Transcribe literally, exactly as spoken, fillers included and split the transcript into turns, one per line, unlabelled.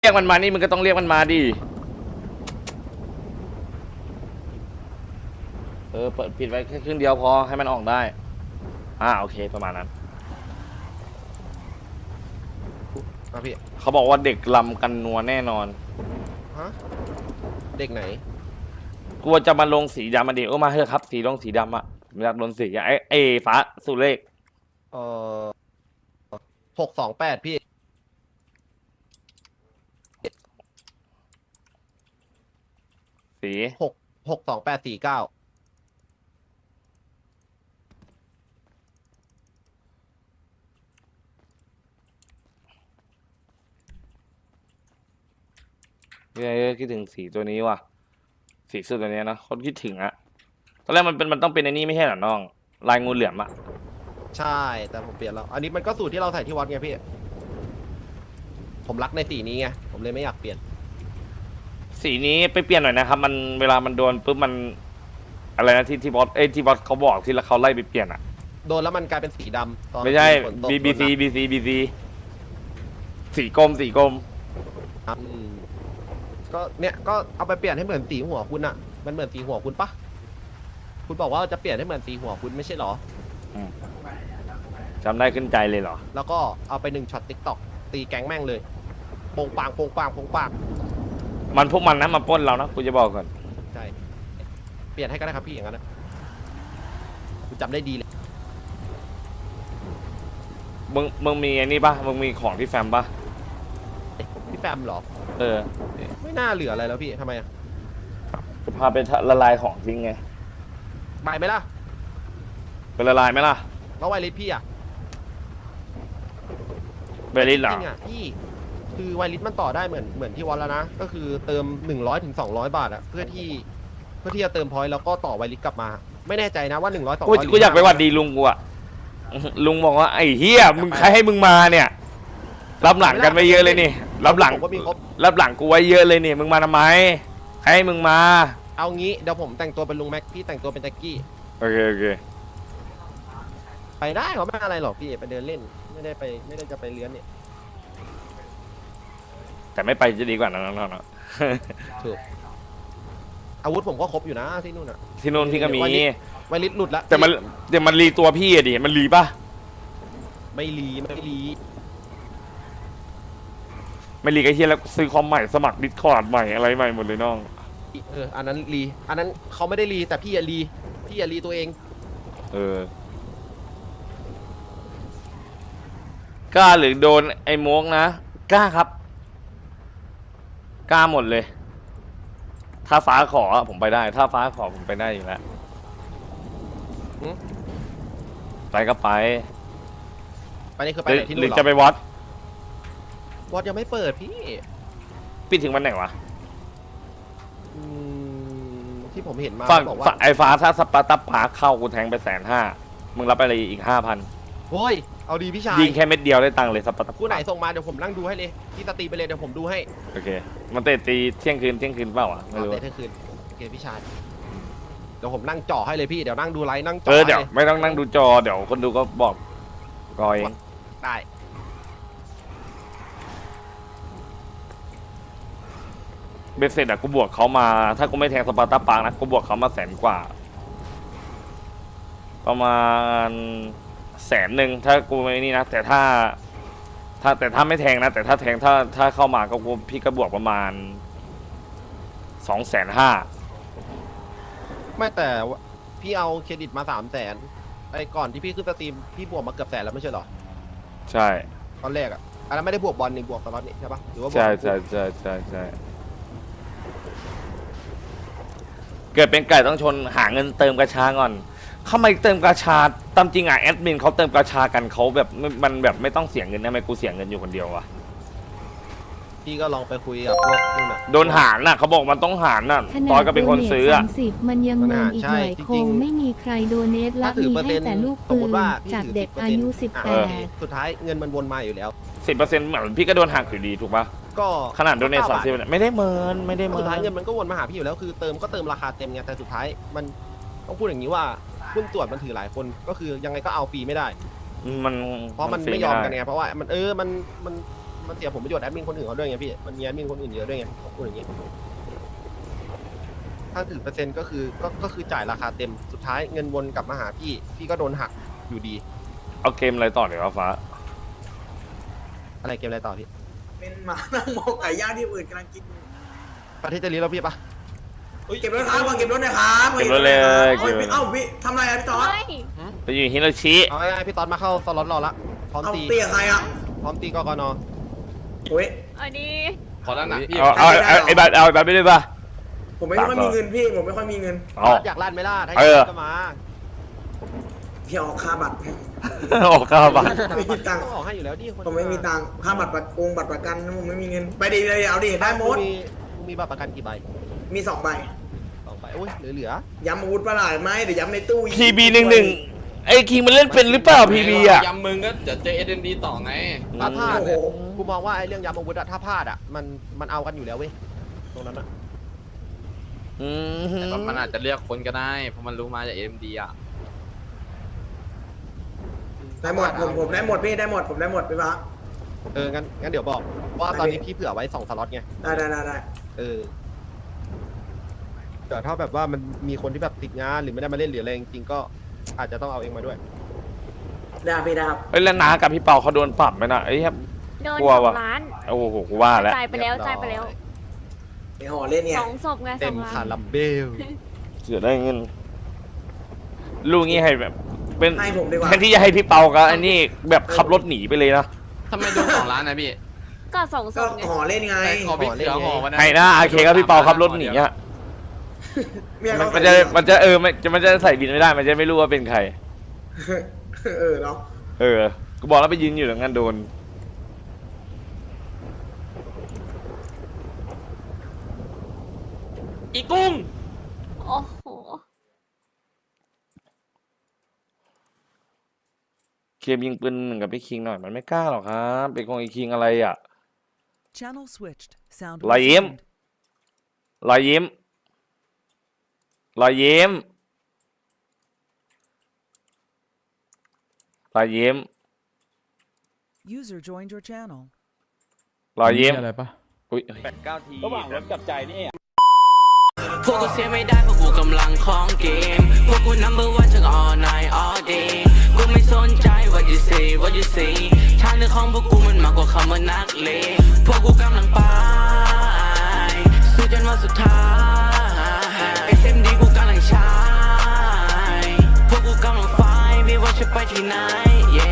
เรียกมันมานี่มึงก็ต้องเรียกมันมาดิเออเปิดปิดไว้แค่ครึ่งเดียวพอให้มันออกได้อ่าโอเคประมาณนั้น
มาพี่
เขาบอกว่าเด็กลำกันนัวแน่นอน
ฮะเด็กไหน
กลัวจะมาลงสีดำมาดิโอ้มาเถอะครับสีลงสีดำอ่ะอยากโดนสีไอ้ไอ้ฟ้าสุเลข
เอ่อหกสองแปดพี่
สี
หกหกสองแปดสี่เก้า
เนี่ยคิดถึงสีตัวนี้ว่ะสีสุดตัวนี้นะคนคิดถึงอะตอนแรกมันเป็นมันต้องเป็นไอ้นี่ไม่ใช่เหรอน้องลายงูเหลือมอะ
ใช่แต่ผมเปลี่ยนแล้วอันนี้มันก็สูตรที่เราใส่ที่วัดไงพี่ผมรักในสีนี้ไงผมเลยไม่อยากเปลี่ยน
สีนี้ไปเปลี่ยนหน่อยนะครับมันเวลามันโดนปุ๊บมันอะไรนะที่ที่บอสเอ้ที่บอสเขาบอกที่เขาไล่ไปเปลี่ยนอะ
โดนแล้วมันกลายเป็นสีดำตอน
ไม่ใช่บีบีซีบีซีบีซีสีกรมสีกรม
ก็เนี่ยก็เอาไปเปลี่ยนให้เหมือนสีหัวคุณอะมันเหมือนสีหัวคุณปะคุณบอกว่าจะเปลี่ยนให้เหมือนสีหัวคุณไม่ใช่หรอ
จำได้ขึ้นใจเลยเหรอ
แล้วก็เอาไปหนึ่งช็อตติ๊กต็อกตีแก๊งแม่งเลยโป่งปางโป่งปางโป่งปาง
มันพวกมันนะมาปล้นเรานะกูจะบอกก่อน
ใช่เปลี่ยนให้ก็ได้ครับพี่อย่างนั้นนะกูจำได้ดีเลย
มึงมึงมีไอ้นี่ปะมึงมีของที่แฟมปะ
ที่แฟมเหรอ
เออ
ไม่น่าเหลืออะไรแล้วพี่ทำไมอ่ะ
จะพาไปละลายของทิ้งไง
ไปไหมล่ะ
ไปละลายไหมล่ะ
แล้วไวริสพี่อ่ะ
ไวริสเหรอ
จริงอ่ะพี่คือไวริสมันต่อได้เหมือนเหมือนที่วันแล้วนะก็คือเติมหนึ่งร้อยถึงสองร้อยบาทอ่ะเพื่อที่เพื่อที่จะเติมพอยต์แล้วก็ต่อไวริสกลับมาไม่แน่ใจนะว่าหนึ่งร้อยสองร้อย
กูอยากไปหวัดดีลุงกูอ่ะลุงบอกว่าไอ้เฮียมึงใครให้มึงมาเนี่ยรับหลังกันไปเยอะเลยนี่รับหลังรับหลังกูไว้เยอะเลยนี่มึงมาทำไมใครให้มึงมา
เอางี้เดี๋ยวผมแต่งตัวเป็นลุงแม็กพี่แต่งตัวเป็นแจ็คกี้
โอเคโอเค
ไปได้เขาไม่อะไรหรอกพี่ไปเดินเล่นไม่ได้ไปไม่ได้จะไปเลี้ยนเนี่ย
แต่ไม่ไปจะดีกว่าน้องๆเนาะ
ถูกอาวุธผมก็ครบอยู่นะที่นู่นอ่ะ
ที่นู่นพี่ก็มี
ไวริสหลุดแล้ว
แต่มันแต่มันรีตัวพี่อะดิมันรีป่ะ
ไม่รีไม่รี
ไม่รีก็เฮียแล้วซื้อคอมใหม่สมัครดิสคอร์ดใหม่อะไรใหม่หมดเลยน้อง
เอออันนั้นรีอันนั้นเขาไม่ได้รีแต่พี่อย่ารีพี่อย่ารีตัวเอง
เออกล้าหรือโดนไอ้โมกนะกล้าครับกล้าหมดเลยถ้าฟ้าขอผมไปได้ถ้าฟ้าขอผมไปได้อยู่แล้วไปก็ไป
ไปนี่คือไปไหนที่นู่นหรอ
หรือจะไปวัด
วัดยังไม่เปิดพี่
ปิดถึงวันไหนวะ
ที่ผมเห็นมา
บอกว่าไอ้ฟ้าถ้าสปาร์ตปาเข้ากูแทงไปแสนห้ามึงรับไปเลยอีกห้าพัน
โอ้ยเอาดีพี่ชาย
ยิงแค่เม็ดเดียวได้ตังค์เลยสปาร์ต
คู่ไหนส่งมาเดี๋ยวผมนั่งดูให้เลยที่สตรีไปเลยเดี๋ยวผมดูให้
โอเคมันเตะตีเที่ยงคืนเที่ยงคืนเปล่าอ่ะไม่รู้
เตะเที่ยงคืนโอเคพี่ชายเดี๋ยวผมนั่งจ่อให้เลยพี่เดี๋ยวนั่งดูไลฟ์นั่งจ่
อเออเดี๋ยวไม่ต้องนั่งดูจอเดี๋ยวคนดูก็บอกกอย
ได้
เบสเซ็ตอะกูบวกเขามาถ้ากูไม่แทงสปาร์ตาปาร์นะกูบวกเขามาแสนกว่าประมาณแสนหนึ่งถ้ากูไม่นี่นะแต่ถ้าถ้าแต่ถ้าไม่แทงนะแต่ถ้าแทงถ้าถ้าเข้ามาก็กูพี่ก็บวกประมาณสองแสนห้า
ไม่แต่พี่เอาเครดิตมาสามแสนไอ้ก่อนที่พี่ขึ้นสตรีมพี่บวกมาเกือบแสนแล้วไม่ใช่หรอ
ใช่
ตอนแรกอะอันนั้นไม่ได้บวกบอลนี่บวกตลอดนี่ใช่ปะหรือว่า
ใช่ใช่ใช่ใช่ใช่เกิดเป็นไก่ต้องชนหาเงินเติมกระชาก่อนเข้ามาเติมกระชาตามจริงอ่ะแอดมินเขาเติมกระชากันเขาแบบมันแบบไม่ต้องเสียเงินนะทำไมกูเสียเงินอยู่คนเดียววะ
พี่ก็ลองไปคุยกับพวกนู่นน่ะ
โดนหารน่ะเขาบอกมันต้องหารน่ะตอนก็เป็นคนซื้ออ่ะ
มันยังงงอีกหน่อยคงไม่มีใครโดเนทและมีให้แต่ลูกปืนจากเด็กอายุสิบแปด
สุดท้ายเงินมันวนมาอยู่แล้ว
สิบเปอร์เซ็นต์เหมือนพี่ก็โดนหักอยู่ดีถูกปะ
ก็
ขนาดโดนเนทสามสิบไม่ได้เมินไม่ได้เมิน
สุดท้ายเงินมันก็วนมาหาพี่อยู่แล้วคือเติมก็เติมราคาเต็มไงแต่สุดท้ายมันต้องพูดอย่างนี้ว่าหุ้นตรวจมันถือหลายคนก็คือยังไงก็เอาฟรีไม่ได้
มัน
เพราะมันไม่ยอมกันไงเพราะว่ามันเออมันมันมันเสียผลประโยชน์แอดมินคนอื่นเขาด้วยไงพี่มันมีแอดมินคนอื่นเยอะด้วยไงผมพูดอย่างงี้ถ้าถือเปอร์เซ็นต์ก็คือก็ก็คือจ่ายราคาเต็มสุดท้ายเงินวนกลับมาหาพี่พี่ก็โดนหักอยู่ดี
เอาเกมอะไรต่อเดี๋ยวฟ้า
อะไรเกมอะไรต่อพี่
เป็นหมานั่งมองไก่ย่างที่อื่นกำลังกินอยู่
ประเทศจะรีแล้วพี่ปะ
เก็บรถครับมาเก็บรถหนะครับ
เก็บรถเลย
โอ้ยพี่เอ้าพี่ทำอะไรอะพี่ตอด
ไปอยู่ฮิโรชิ
เอาง่ายๆพี่ตอนมาเข้าสล็อตรอละพร้อม
เอา
ตี
เตี้ยใครอ่ะ
พร้อมตีกกน
โอ้ย
อันนี้
ขอด้านหนักพี่
เอาเอาเอาไอ้บัตรเอาไอ้บัตรไปด้วยป่ะ
ผมไม่ค่อยมีเงินพี่ผมไม่ค่อยมีเงิน
เอา
อยากลั่นไหมล่ะถ้าอ
เออ
ยากก็มา
พี่ออกค่าบัตร
ออกค่าบัตร
ไม่มีตังค์
ต้องออกให้อยู่แล้วดิคน
ผมไม่มีตังค์ค่าบัตรประกงบัตรประกันผมไม่มีเงินไปดีเลยเอาดิได้หมด
มึงมีมึงมีบัตรประกันกี่ใบ
มีสองใบ
สองใบโอ้ยเหลือเหลือ
ย้ำอาวุธประหลาดไหมเดี๋ยวย้ำในตู้
พีบีหนึ่งหนึ่งไอ้คิงมันเล่นเป็นหรือเปล่าพีบีอ่ะ
ยำมึงก็จะเจอเอ็นดีต่อไง
ถ้าพลาดเนี่ยกูมองว่าไอ้เรื่องยำอาวุธอะถ้าพลาดอะมันมันเอากันอยู่แล้วเว้ยตรงนั้นอะ
อืม
แต่ว่ามันอาจจะเลือกคนก็ได้ เพราะมันรู้มาจากเอ็มดีอ่ะ
ได้หมดผมผมได้หมดพี่ได้หมดผมได้หมดพี่ปะ
เอองั้นงั้นเดี๋ยวบอกว่าตอนนี้พี่เผื่อไว้สองสล็อตไง
ได้ได้ได้ได้
เออแต่ถ้าแบบว่ามันมีคนที่แบบติดงานหรือไม่ได้มาเล่นหรืออะไรจริงๆก็อาจจะต้องเอาเองมาด้วย
ได้พี่ได้ครับ
เฮ้ยแล้วนากับพี่เปาเขาโดนปรับไหมนะไอ้ครับ
โดน
กลัว
สอ
ว่ะ
งล้าน
โอ้โหกูว่าแล้ว
จ่ายไปแล้วจ่ายไปแล้ว
ไอห่อเล่นไง
สองศพไงส
เต็
อ
ม
งล้า
คาน รัมเบล
เสือได้เงินลูกงี้ให้แบบ เป็น
ให้ผมดีกว่า
แทนที่จะให้พี่เปากับอันนี้แบบขับรถหนีไปเลยนะ
ทำไมโดนสองล้านนะพี่
ก็สองศ
ก็
พไง
ห่อเล่นไง
แต่ขอพี่เสือห่อวันนั้น
ให้นะอาเคกับพี่เปาขับรถหนีอ่ะ
เมีย
มัน
เขา
มันจะมันจะเออมันจะมันจะใส่บินไม่ได้ มันจะไม่รู้ว่าเป็นใคร
เออเนาะ
เออกูบอกแล้วไปยืนอยู่ตรงนั้นโดน
อีกุ้ง
โอ้โห
เคมยิงปืนหนึ่งกับพี่คิงหน่อยมันไม่กล้าหรอกครับเป็นของไอ้คิงอะไรอ่ะ
Channel switched. Sound
รอยยิ้ม
resumed.
รอยยิ้มรอยยิ้มรอยยิ้ม
User joined your channel.
รอยยิ้ม
อะไรปะ
อุ้ย
ระหว่างรถกับใจนี่
พวกกูเสียไม่ได้เพราะกูกำลังของเกม พวกกู number one ทั้ง all night all day กูไม่สนใจ what you say what you say ทางเดินของพวกกูมันมากกว่าคำว่านักเลงพวกกูกำลังไปสู้จนวันสุดท้าย เอส เอ็ม ดี กูกำลังใช้พวกกูกำลังไฟไม่ว่าจะไปที่ไหน yeah